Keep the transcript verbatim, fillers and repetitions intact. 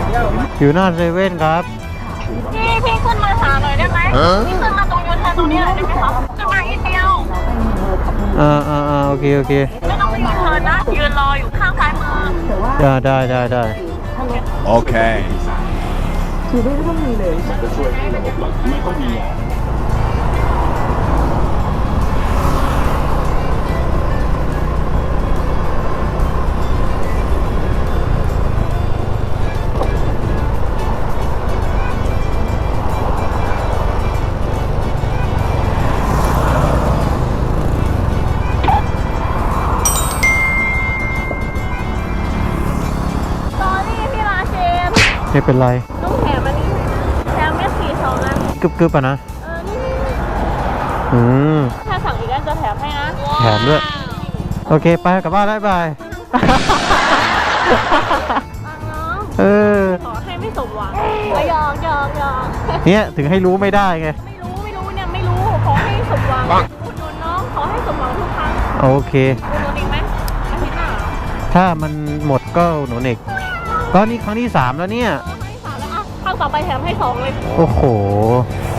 อยู่หน้าเซเว่นครับพี่พี่ขึ้นมาหาหน่อยได้ไหมพี่ขึ้นมาตรงยูเทิร์นตรงนี้หน่อยได้ไหมคะขึ้นมาอีกเดียวอ่าอ่าอ่าโอเคโอเคไม่ต้องไปยูเทิร์นนะยืนรออยู่ข้างซ้ายมือได้ได้ได้ได้โอเคสอรี่พี่ราเชนไม่เป็นไรต้องแถมอันนี้แถมเม็ดสีสองอันกึบกึบอ่ะนะเออนี่อืมถ้าสั่งอีกอันจะแถมให้นะแถมด้วย โอเคไปกลับบ้านแล้วบายฟังน้องเออขอให้ไม่สมหวังก็ยอกยอกยอกเนี่ยถึงให้รู้ไม่ได้ไงไม่รู้ไม่รู้เนี่ยไม่รู้ขอให้สมหวังอุดหนุนน้องขอให้สมหวังทุกครั้งโอเคอุดหนุนอีกไหมอาทิตย์หน้าเหรอถ้ามันหมดก็หนูเอกก็นี่ครั้งที่สามแล้วเนี่ยครั้งที่สามแล้วอ่ะครั้งต่อไปแถมให้สองเลยโอ้โหเ